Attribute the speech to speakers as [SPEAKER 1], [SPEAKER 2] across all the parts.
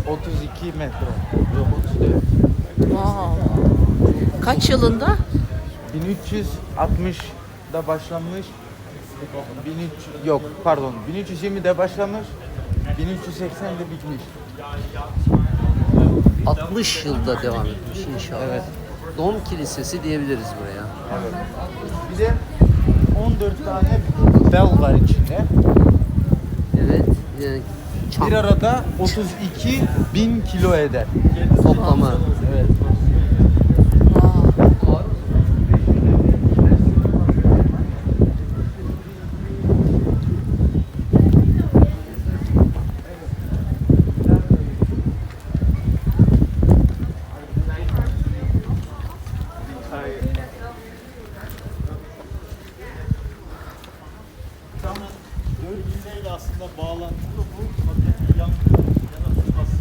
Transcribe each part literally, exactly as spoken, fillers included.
[SPEAKER 1] otuz iki metre. Yok otuz dört.
[SPEAKER 2] Wow. Kaç yılında?
[SPEAKER 1] bin üç yüz altmışda başlamış. bin üç yüz yok pardon bin üç yüz yirmide başlamış. bin üç yüz seksende bitmiş.
[SPEAKER 3] altmış yılda devam etmiş inşallah.
[SPEAKER 1] Evet.
[SPEAKER 3] Dom Kilisesi diyebiliriz buraya.
[SPEAKER 1] Evet. Bir de on dört tane bel var içinde.
[SPEAKER 3] Evet. Yani çam
[SPEAKER 1] Bir arada otuz iki bin kilo eder.
[SPEAKER 3] toplamı.
[SPEAKER 1] Evet.
[SPEAKER 2] Wow.
[SPEAKER 4] Dört aslında bağlantılı bu. Fakat yan yana tutması.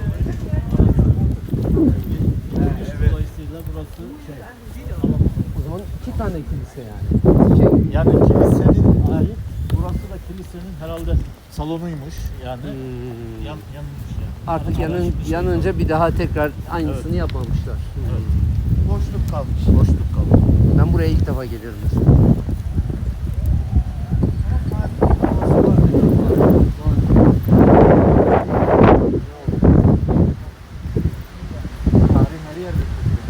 [SPEAKER 4] Dolayısıyla burası şey.
[SPEAKER 3] O zaman iki tane kilise yani. Şey,
[SPEAKER 4] Yani kilisenin ait. Burası da kilisenin herhalde salonuymuş yani.
[SPEAKER 3] hmm,
[SPEAKER 4] Yan, yanmış yani.
[SPEAKER 3] artık
[SPEAKER 4] Araç
[SPEAKER 3] yanın,
[SPEAKER 4] bir şey
[SPEAKER 3] yanınca bir daha tekrar aynısını
[SPEAKER 4] Evet.
[SPEAKER 3] yapmamışlar.
[SPEAKER 4] Evet.
[SPEAKER 1] Boşluk kalmış.
[SPEAKER 3] Boşluk kaldı. Ben buraya ilk defa geliyorum mesela.
[SPEAKER 1] Tarih her yerde.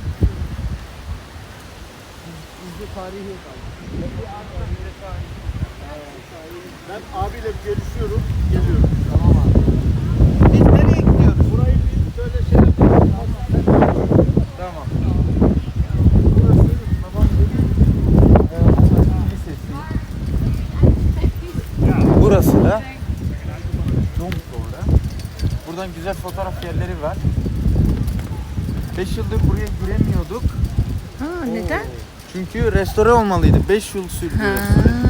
[SPEAKER 3] Bizde tarihi
[SPEAKER 4] Ben abiyle görüşüyorum, geliyorum.
[SPEAKER 3] Tamam abi.
[SPEAKER 1] Biz nereye gidiyoruz?
[SPEAKER 4] Burayı bir böyle şey yapalım.
[SPEAKER 1] Tamam. Burası babam dedi. Eee Kilisesi. Burası da Dom sonra. Buradan güzel fotoğraf yerleri var. beş yıldır buraya giremiyorduk.
[SPEAKER 2] Ha, neden?
[SPEAKER 1] Çünkü restore olmalıydı. beş yıl sürdü.
[SPEAKER 2] Ha.